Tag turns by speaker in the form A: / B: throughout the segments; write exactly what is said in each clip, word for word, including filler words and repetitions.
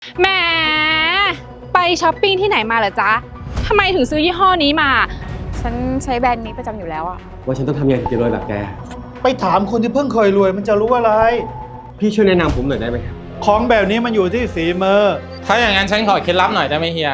A: แหมไปช้อปปิ้งที่ไหนมาเหรอจ๊ะทำไมถึงซื้อยี่ห้อนี้มา
B: ฉันใช้แบรนด์นี้ประจำอยู่แล้วอะ
C: ว่าฉันต้องทำยังไงถึงจะรวยแบบแก
D: ไปถามคนที่เพิ่งเคยรวยมันจะรู้อะไร
C: พี่ช่วยแนะนำผมหน่อยได้ไหมครับ
D: ของแบบนี้มันอยู่ที่ฝีมือ
E: ถ้าอย่างนั้นฉันขอเคล็ดลับหน่อยได้ไหมเฮีย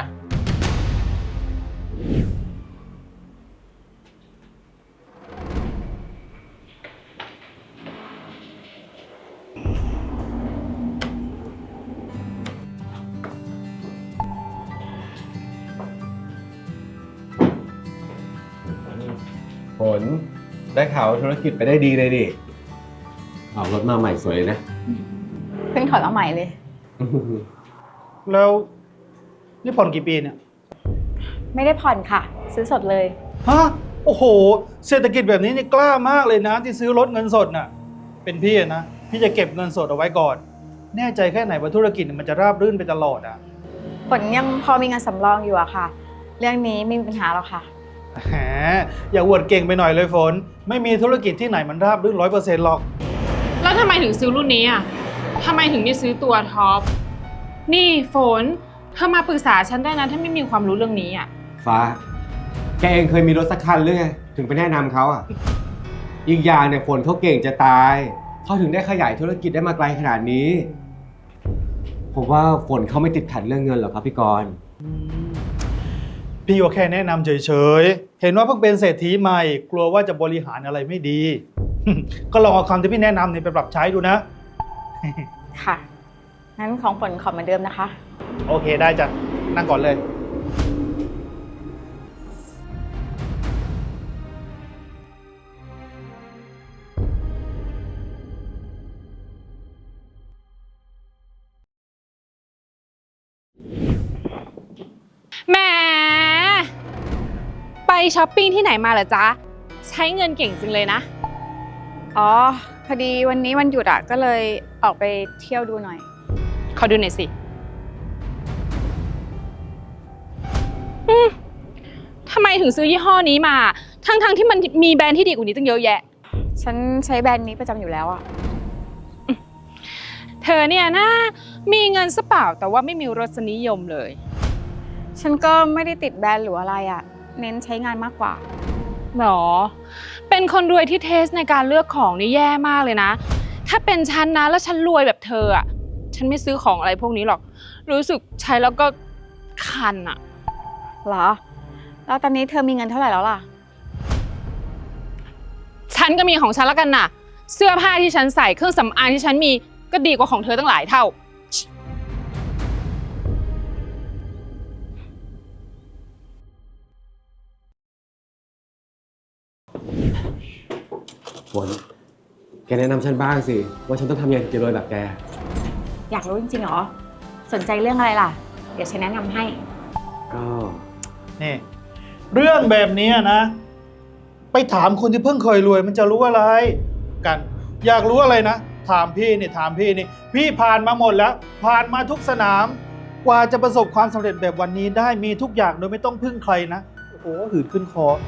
C: ผลได้ข่าวธุรกิจไปได้ดีเลยดิเอารถมาใหม่สวยเลยนะ
B: เพิ่งถอดมาใหม่เลย
D: แล้วนี่ผ่อนกี่ปีเนี่ย
B: ไม่ได้ผ่อนค่ะ ซื้อสดเลย
D: ฮะโอ้โหเศรษฐกิจแบบนี้นี่กล้ามากเลยนะที่ซื้อรถเงินสดน่ะเป็นพี่นะพี่จะเก็บเงินสดเอาไว้ก่อนแน่ใจแค่ไหนว่าธุรกิจมันจะราบรื่นไปตลอดอ่ะ
B: ผลยังพอมีเงินสำรองอยู่อะค่ะ เรื่องนี้ไม่มีปัญหาหรอกค่ะ
D: แหมอย่าอวดเก่งไปหน่อยเลยฝนไม่มีธุรกิจที่ไหนมันราบรื่นร้อยเปอร์เซ็นต์หรอก
A: แล้วทำไมถึงซื้อรุ่นนี้อ่ะทำไมถึงไม่ซื้อตัวท็อปนี่ฝนเธอมาปรึกษาฉันได้นะถ้าไม่มีความรู้เรื่องนี้อ่ะ
C: ฟ้าแกเองเคยมีรถสักคันหรือไงถึงไปแนะนำเขาอ่ะอีกอย่างเนี่ยฝนเขาเก่งจะตายเขาถึงได้ขยายธุรกิจได้มาไกลขนาดนี้ผมว่าฝนเขาไม่ติดขัดเรื่องเงินหรอกครับพี่กรณ์
D: พี่ก็แค่แนะนำเฉยๆเห็นว่าเพิ่งเป็นเศรษฐีใหม่กลัวว่าจะบริหารอะไรไม่ดี ก็ลองเอาคำที่พี่แนะนำเนี่ยไปปรับใช้ดูนะ
B: ค่ะ งั้นของผลขอเหมือนเดิมนะคะ
D: โอเคได้จ้ะนั่งก่อนเลย
A: แหมไปช้อปปิ้งที่ไหนมาเหรอจ๊ะใช้เงินเก่งจังเลยนะ
B: อ๋อ พอดีวันนี้วันหยุดอะก็เลยออกไปเที่ยวดูหน่อย
A: ขอดูหน่อยสิอืมทำไมถึงซื้อยี่ห้อนี้มา ทั้งๆที่มันมีแบรนด์ที่ดีกว่านี้ตั้งเยอะแยะ
B: ฉันใช้แบรนด์นี้ประจำอยู่แล้วอะ
A: เธอเนี่ยนะมีเงินซะเปล่าแต่ว่าไม่มีรสนิยมเลย
B: ฉันก็ไม่ได้ติดแบรนด์หรืออะไรอะเน้นใช้งานมากกว่า
A: หรอ เป็นคนรวยที่เทสในการเลือกของนี่แย่มากเลยนะ ถ้าเป็นฉันนะแล้วฉันรวยแบบเธออ่ะ ฉันไม่ซื้อของอะไรพวกนี้หรอก รู้สึกใช้แล้วก็คันอ่ะ
B: เหรอ แล้วตอนนี้เธอมีเงินเท่าไหร่แล้วล่ะ
A: ฉันก็มีของฉันแล้วกันน่ะ เสื้อผ้าที่ฉันใส่เครื่องสำอางที่ฉันมีก็ดีกว่าของเธอตั้งหลายเท่า
C: ฝนแกแนะนำฉันบ้างสิว่าฉันต้องทำยังไงถึงจะรวยแบบแก
B: อยากรู้จริงๆเหรอ สนใจเรื่องอะไรล่ะ เดี๋ยวฉันแนะนำให้
C: ก็
D: นี่เรื่องแบบนี้นะ ไปถามคนที่เพิ่งเคยรวยมันจะรู้อะไรกัน อยากรู้อะไรนะถามพี่นี่ถามพี่นี่พี่ผ่านมาหมดแล้ว ผ่านมาทุกสนาม กว่าจะประสบความสำเร็จแบบวันนี้ได้มีทุกอย่างโดยไม่ต้องพึ่งใครนะโอ้โหหืดขึ้นคอ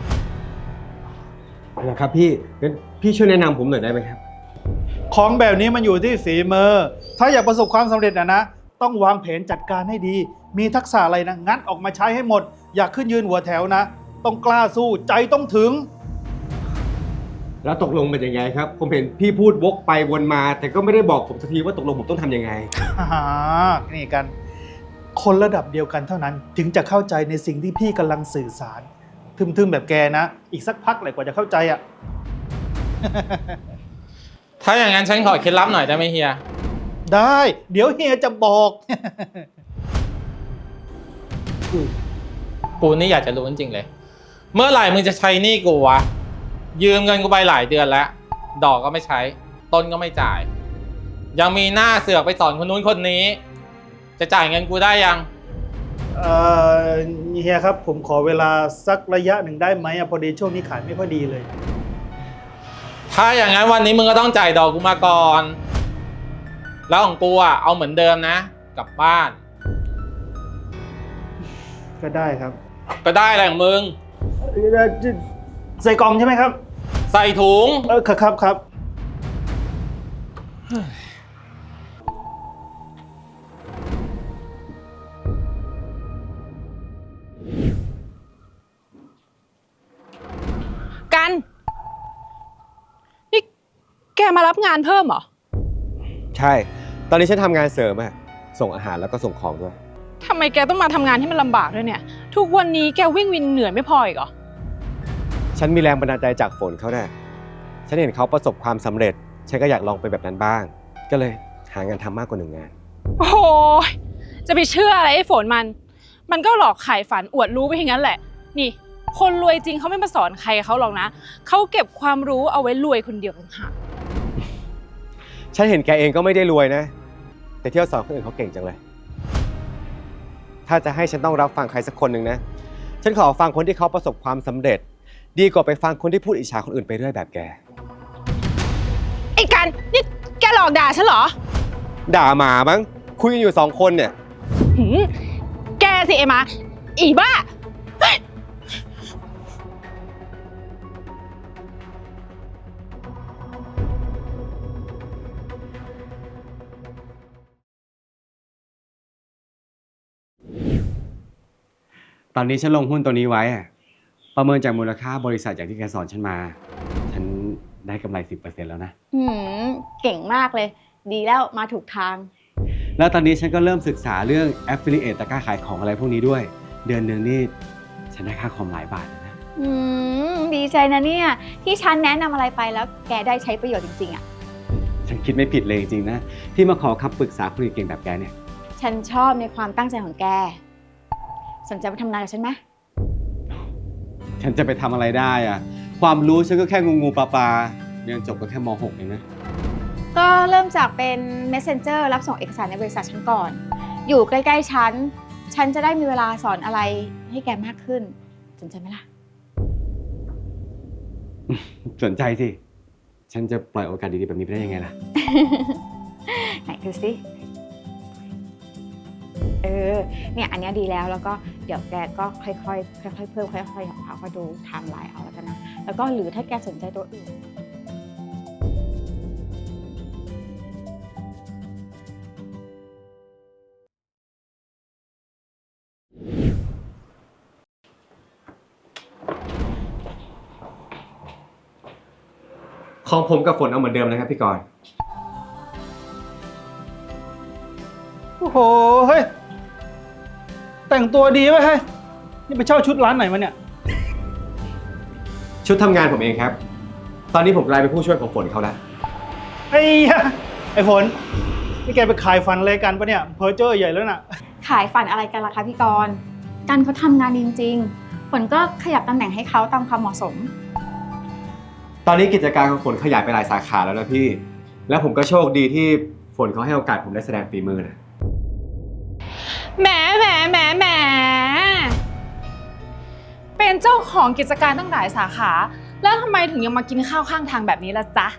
C: นะครับพี่งั้นพี่ช่วยแนะนำผมหน่อยได้ไหมครับ
D: ของแบบนี้มันอยู่ที่ฝีมือถ้าอยากประสบความสำเร็จนะนะต้องวางแผนจัดการให้ดีมีทักษะอะไรนะงัดออกมาใช้ให้หมดอยากขึ้นยืนหัวแถวนะต้องกล้าสู้ใจต้องถึง
C: แล้วตกลงเป็นยังไงครับผมเห็นพี่พูดวกไปวนมาแต่ก็ไม่ได้บอกผมสักทีว่าตกลงผมต้องทำยังไง
D: อ่านี่กันคนระดับเดียวกันเท่านั้นถึงจะเข้าใจในสิ่งที่พี่กำลังสื่อสารทึมๆแบบแกนะอีกสักพักเลยกว่าจะเข้าใจอ่ะ
E: ถ้าอย่างนั้นฉันขอเคล็ดลับหน่อยได้ไหมเฮีย
D: ได้เดี๋ยวเฮียจะบอก
E: กูนี่อยากจะรู้จริงๆเลยเมื่อไหร่มึงจะใช้หนี้กูวะยืมเงินกูไปหลายเดือนแล้วดอกก็ไม่ใช้ต้นก็ไม่จ่ายยังมีหน้าเสือกไปสอนคนนู้นคนนี้จะจ่ายเงินกูได้ยัง
D: เอ่อเฮียครับผมขอเวลาสักระยะหนึ่งได้ไหมพอดีช่วงนี้ขายไม่ค่อยดีเลย
E: ถ้าอย่างนั้นวันนี้มึงก็ต้องจ่ายดอกกูมาก่อนแล้วของกูอ่ะเอาเหมือนเดิมนะกลับบ้าน
D: ก็ได้ครับ
E: ก็ได้อะไรของมึง
D: ใส่กล่องใช่ไหมครับ
E: ใส่ถุง
D: เออครับครับ
A: มารับงานเพิ่มเหรอ
C: ใช่ ตอนนี้ฉันทำงานเสริมอะส่งอาหารแล้วก็ส่งของด้วย
A: ทำไมแกต้องมาทำงานที่มันลำบากด้วยเนี่ย ทุกวันนี้แกวิ่งวินเหนื่อยไม่พออีกเหรอ
C: ฉันมีแรงบันดาลใจจากฝนเขาแน่ฉันเห็นเขาประสบความสำเร็จ ฉันก็อยากลองไปแบบนั้นบ้าง ก็เลยหางานทำมากกว่าหนึ่งงาน
A: โอ้โหจะไปเชื่ออะไรไอ้ฝนมัน มันก็หลอกขายฝันอวดรู้ไปอย่างนั้นแหละ นี่ คนรวยจริงเขาไม่มาสอนใครเขาหรอกนะ เขาเก็บความรู้เอาไว้รวยคนเดียวต่างหาก
C: ฉันเห็นแกเองก็ไม่ได้รวยนะ แต่เที่ยวสอนคนอื่นเขาเก่งจังเลย ถ้าจะให้ฉันต้องรับฟังใครสักคนหนึ่งนะ ฉันขอฟังคนที่เขาประสบความสำเร็จ ดีกว่าไปฟังคนที่พูดอิจฉาคนอื่นไปเรื่อยแบบแก
A: ไอ้กันนี่แกหลอกด่าฉันเหรอ
C: ด่าหมามั้ง คุยกันอยู่สองคนเนี่ย
A: หืมแกสิไอ้หมาอีบ้า
C: ตอนนี้ฉันลงหุ้นตัวนี้ไว้อะประเมินจากมูลค่าบริษัทอย่างที่แกสอนฉันมา ฉันได้กำไร สิบเปอร์เซ็นต์ แล้วนะ
B: อืมเก่งมากเลย ดีแล้วมาถูกทาง
C: แล้วตอนนี้ฉันก็เริ่มศึกษาเรื่อง Affiliate ตะกร้าขายของอะไรพวกนี้ด้วย เดือนหนึ่งนี่ฉันได้ค่าคอมหลายบาทเลยนะ
B: อืมดีใจนะเนี่ย ที่ฉันแนะนำอะไรไปแล้วแกได้ใช้ประโยชน์จริงๆอ่ะ
C: ฉันคิดไม่ผิดเลยจริงๆนะ ที่มาขอคำปรึกษาคนเก่งๆแบบแกเนี่ย
B: ฉันชอบในความตั้งใจของแก สนใจมาทำงานกับฉันไหม
C: ฉันจะไปทำอะไรได้อะความรู้ฉันก็แค่งูงูปลาปลาเรียนจบก็แค่ม หก เองนะ
B: ก็เริ่มจากเป็น messenger รับส่งเอกสารในบริษัทฉันก่อน อยู่ใกล้ๆฉัน ฉันจะได้มีเวลาสอนอะไรให้แกมากขึ้น สนใจไหมล่ะ
C: สนใจสิ ฉันจะปล่อยโอกาสดีๆแบบนี้ไปได้ยังไงล่ะ
B: ไหนดูสิ เออ เนี่ยอันเนี้ยดีแล้ว แล้วก็เดี๋ยวแกก็ค่อยๆ ค่อยๆ เพิ่มค่อยๆของเขาก็ดูไทม์ไลน์เอาแล้วกันนะ แล้วก็หรือถ้าแกสนใจตัวอื่น
C: ของผมกับฝนเอาเหมือนเดิมนะครับพี่กรณ์
D: โอ้โห เฮ้ย แต่งตัวดีไหมเฮ้ย นี่ไปเช่าชุดร้านไหนมาเนี่ย
C: ชุดทำงานผมเองครับ ตอนนี้ผมกลายเป็นผู้ช่วยของฝนเขาแล้ว
D: ไอ้ยะไอ้ฝน นี่แกไปขายฟันอะไรกันปะเนี่ย เพอเจอร์ใหญ่แล้วน่ะ
B: ขายฝันอะไรกันล่ะคะพี่กรณ์กันเขาทำงานดีจริงๆ ฝนก็ขยับตำแหน่งให้เขาตามความเหมาะสม
C: ตอนนี้กิจการของฝนขยายไปหลายสาขาแล้วนะพี่ แล้วผมก็โชคดีที่ฝนเขาให้โอกาสผมได้แสดงฝีมือนะ
A: แหมแหมแหมแหมเป็นเจ้าของกิจการตั้งหลายสาขา แล้วทำไมถึงยังมากินข้าวข้างทางแบบนี้ล่ะจ๊ะ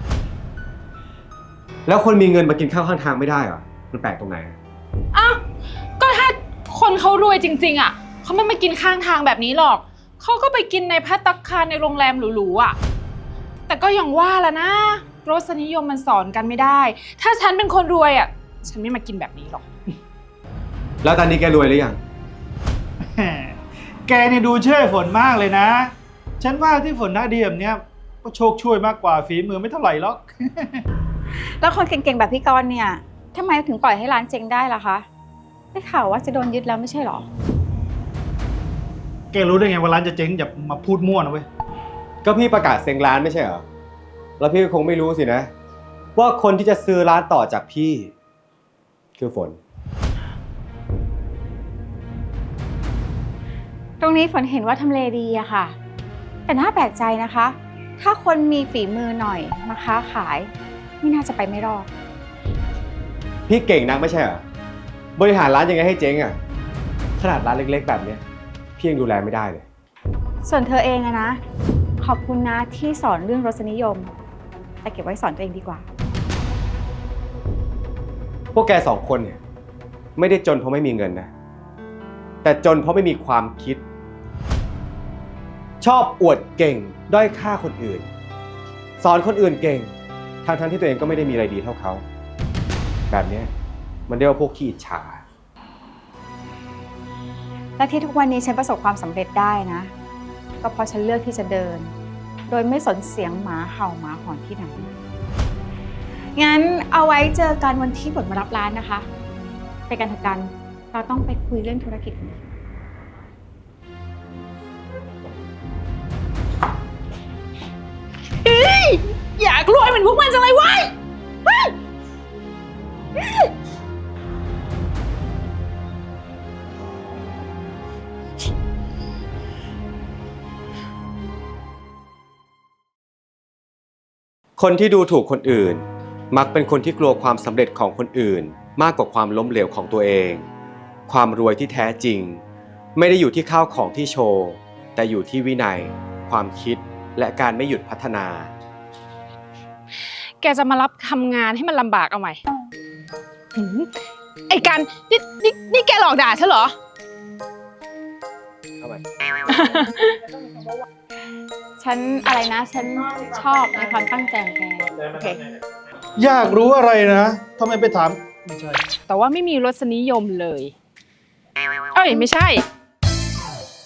C: แล้วคนมีเงินมากินข้าวข้างทางไม่ได้เหรอ มันแปลกตรงไหน
A: อ้าว ก็ถ้าคนเขารวยจริงๆอ่ะเขาไม่มากินข้างทางแบบนี้หรอก เขาก็ไปกินในภัตตาคารในโรงแรมหรูๆอ่ะ แต่ก็อย่างว่าละนะ รสนิยมมันสอนกันไม่ได้ ถ้าฉันเป็นคนรวยอ่ะ ฉันไม่มากินแบบนี้หรอก
C: แล้วตอนนี้แกรวยหรือยัง
D: แกนี่ดูเชื่อฝนมากเลยนะ ฉันว่าที่ฝนหน้าดีแบบเนี้ยก็โชคช่วยมากกว่าฝีมือไม่เท่าไหร่หรอก
B: แล้วคนเก่งๆแบบพี่กรณ์เนี่ยทำไมถึงปล่อยให้ร้านเจ๊งได้ล่ะคะได้ข่าวว่าจะโดนยึดแล้วไม่ใช่หรอ
D: แกรู้ได้ไงว่าร้านจะเจ๊งอย่ามาพูดมั่วนะเว้ย
C: ก็พี่ประกาศเซ็งร้านไม่ใช่เหรอ แล้วพี่ก็คงไม่รู้สินะ ว่าคนที่จะซื้อร้านต่อจากพี่ คือฝน
B: ตรงนี้ฝนเห็นว่าทำเลดีอะค่ะ แต่น่าแปลกใจนะคะ ถ้าคนมีฝีมือหน่อยมาค้าขายไม่น่าจะไปไม่รอด
C: พี่เก่งนักไม่ใช่เหรอ บริหารร้านยังไงให้เจ๊งอ่ะ ขนาดร้านเล็กๆแบบเนี้ยพี่ยังดูแลไม่ได้เลย
B: ส่วนเธอเองอะนะ ขอบคุณนะที่สอนเรื่องรสนิยม แต่เก็บไว้สอนตัวเองดีกว่า
C: พวกแกสองคนเนี่ยไม่ได้จนเพราะไม่มีเงินนะ แต่จนเพราะไม่มีความคิด ชอบอวดเก่งด้อยค่าคนอื่น สอนคนอื่นเก่งทั้งๆที่ตัวเองก็ไม่ได้มีอะไรดีเท่าเขา แบบเนี้ยมันเรียกว่าพวกขี้อิจฉา
B: และที่ทุกวันนี้ฉันประสบความสำเร็จได้นะ ก็เพราะฉันเลือกที่จะเดิน โดยไม่สนเสียงหมาเห่าหมาหอนที่ไหนงั้นเอาไว้เจอกันวันที่ผลมารับร้านนะคะ ไปกันเถอะกัน เราต้องไปคุยเรื่องธุรกิจกัน
A: อยากรวยเหมือนพวกมันจังเลยเว้ย
C: คนที่ดูถูกคนอื่น มักเป็นคนที่กลัวความสำเร็จของคนอื่น มากกว่าความล้มเหลวของตัวเอง ความรวยที่แท้จริง ไม่ได้อยู่ที่ข้าวของที่โชว์ แต่อยู่ที่วินัย ความคิดและการไม่หยุดพัฒนา
A: แกจะมารับทำงานให้มันลำบากเอาไหมหืมไอ้กันนี่นี่นี่แกหลอกด่าฉันเหรอ
C: เอาไหม
B: ฉันอะไรนะ ฉันชอบในความตั้งใจของแก โอเค
D: อยากรู้อะไรนะทำไมไปถาม ไม่ใช่
A: แต่ว่าไม่มีรสนิยมเลย เอ้ยไม่ใช่